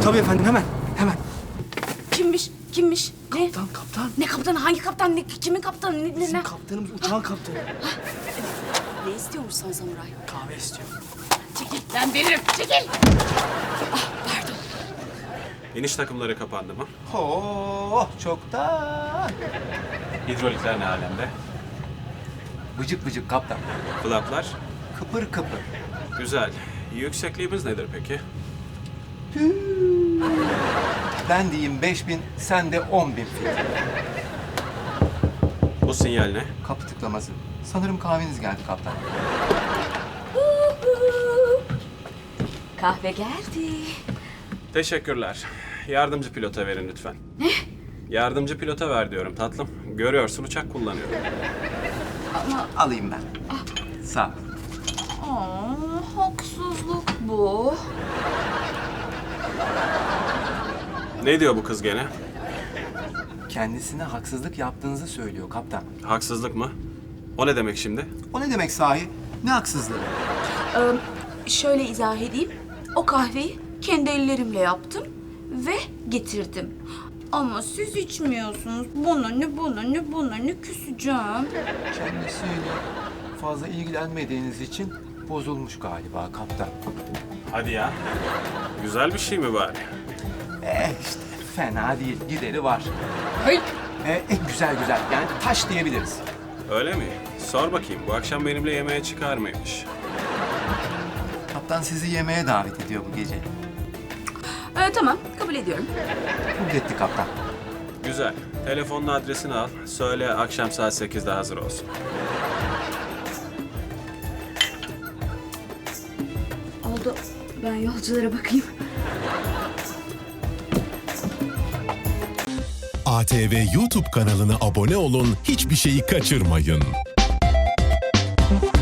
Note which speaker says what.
Speaker 1: Tabii efendim, hemen, hemen.
Speaker 2: Kimmiş? Kimmiş? Ne?
Speaker 1: Kaptan.
Speaker 2: Ne kaptanı? Hangi kaptan? Kimin kaptanı? Ne?
Speaker 1: Bizim kaptanımız, uçağın kaptanı.
Speaker 2: Ne istiyormuş son samuray?
Speaker 1: Kahve istiyor.
Speaker 2: Çekil, ben veririm. Çekil. Ah, pardon.
Speaker 3: İniş takımları kapandı mı?
Speaker 4: Oh, çoktan.
Speaker 3: Hidrolikler ne alemde?
Speaker 4: Bıcık bıcık kaptan.
Speaker 3: Flaplar?
Speaker 4: Kıpır kıpır.
Speaker 3: Güzel. Yüksekliğimiz nedir peki?
Speaker 4: Ben diyeyim 5000, sen de 10.000 fit.
Speaker 3: Bu sinyal ne?
Speaker 4: Kapı tıklaması. Sanırım kahveniz geldi kaptan.
Speaker 2: Kahve geldi.
Speaker 3: Teşekkürler. Yardımcı pilota verin lütfen. Ne? Yardımcı pilota ver diyorum tatlım. Görüyorsun uçak kullanıyorum.
Speaker 4: Alayım ben. Sağ ol.
Speaker 2: Haksızlık bu.
Speaker 3: Ne diyor bu kız gene?
Speaker 4: Kendisine haksızlık yaptığınızı söylüyor kaptan.
Speaker 3: Haksızlık mı? O ne demek şimdi?
Speaker 4: O ne demek sahi? Ne haksızlığı?
Speaker 2: Şöyle izah edeyim. O kahveyi kendi ellerimle yaptım ve getirdim. Ama siz içmiyorsunuz. Buna ne küseceğim.
Speaker 4: Kendisiyle fazla ilgilenmediğiniz için bozulmuş galiba kaptan.
Speaker 3: Hadi ya. Güzel bir şey mi bari?
Speaker 4: İşte fena değil. Gideri var.
Speaker 2: Hayır.
Speaker 4: Güzel. Yani taş diyebiliriz.
Speaker 3: Öyle mi? Sor bakayım bu akşam benimle yemeğe çıkar mıymış?
Speaker 4: Kaptan sizi yemeğe davet ediyor bu gece.
Speaker 2: Tamam, kabul ediyorum.
Speaker 4: Kabul etti kaptan.
Speaker 3: Güzel. Telefonun adresini al. Söyle akşam saat 8'de hazır olsun.
Speaker 2: Oldu. Ben yolculara bakayım.
Speaker 5: ATV YouTube kanalına abone olun, hiçbir şeyi kaçırmayın.